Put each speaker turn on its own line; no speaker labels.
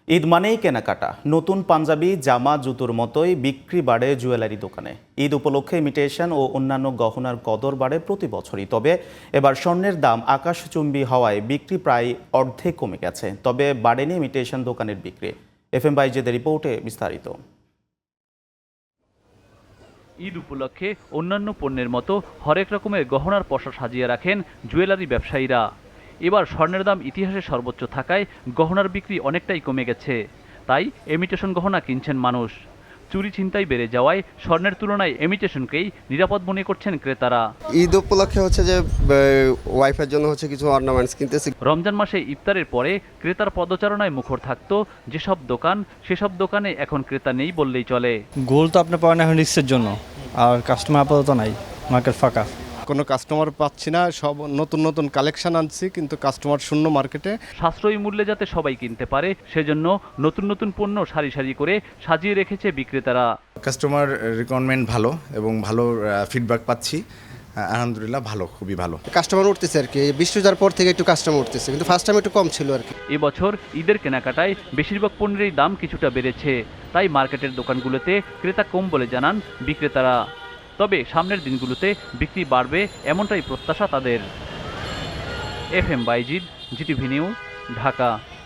ঈদ মানেই কেনাকাটা। নতুন পাঞ্জাবি, জামা, জুতোর মতোই বিক্রি বাড়ে জুয়েলারি দোকানে। ঈদ উপলক্ষে ইমিটেশন ও অন্যান্য গহনার কদর বাড়ে প্রতি বছরই। তবে এবার স্বর্ণের দাম আকাশচুম্বী হওয়ায় বিক্রি প্রায় অর্ধেক কমে গেছে। তবে বাড়েনি ইমিটেশন দোকানের বিক্রি। FM বাইজেদের রিপোর্টে বিস্তারিত।
ঈদ উপলক্ষে অন্যান্য পণ্যের মতো হরেক রকমের গহনার পসরা সাজিয়ে রাখেন জুয়েলারি ব্যবসায়ীরা। এবার স্বর্ণের দাম ইতিহাসে সর্বোচ্চ থাকায় গহনার বিক্রি অনেকটাই কমে গেছে। তাই ইমিটেশন গহনা কিনছেন মানুষ। চুরি ছিনতাই বেড়ে যাওয়ায় স্বর্ণের তুলনায় ইমিটেশনকেই নিরাপদ মনে করছেন ক্রেতারা।
ঈদ উপলক্ষে হচ্ছে যে ওয়াইফের জন্য হচ্ছে কিছু অর্নামেন্টস কিনতেছি।
রমজান মাসে ইফতারের পরে ক্রেতার পদচারণায় মুখর থাকতো যেসব দোকান, সেসব দোকানে এখন ক্রেতা নেই বললেই চলে।
গোল্ড তো আপনি পাবেন এখন রিস্কের জন্য, আর কাস্টমার আপাতত নাই, মার্কেট ফাঁকা।
কোনো কাস্টমার পাচ্ছি না, সব নতুন নতুন কালেকশন আনছি কিন্তু কাস্টমার শূন্য মার্কেটে।
সাশ্রয়ী মূল্যে যাতে সবাই কিনতে পারে সেজন্য নতুন নতুন পণ্য সারি সারি করে সাজিয়ে রেখেছে বিক্রেতারা।
কাস্টমার রিকোয়ারমেন্ট ভালো এবং ভালো ফিডব্যাক পাচ্ছি। আলহামদুলিল্লাহ ভালো, খুবই ভালো।
কাস্টমার উঠতেছে আর কি, বৃষ্টি যাওয়ার পর থেকে একটু কাস্টমার উঠতেছে, কিন্তু ফার্স্ট টাইম একটু কম ছিল আর কি।
এবছর ঈদের কেনাকাটায় বেশিরভাগ পণ্যেরই দাম কিছুটা বেড়েছে। তাই মার্কেটের দোকানগুলোতে ক্রেতা কম বলে জানান বিক্রেতারা। তবে সামনের দিনগুলোতে বিক্রি বাড়বে এমনটাই প্রত্যাশা তাদের। FM Bayezid, GTV news, Dhaka.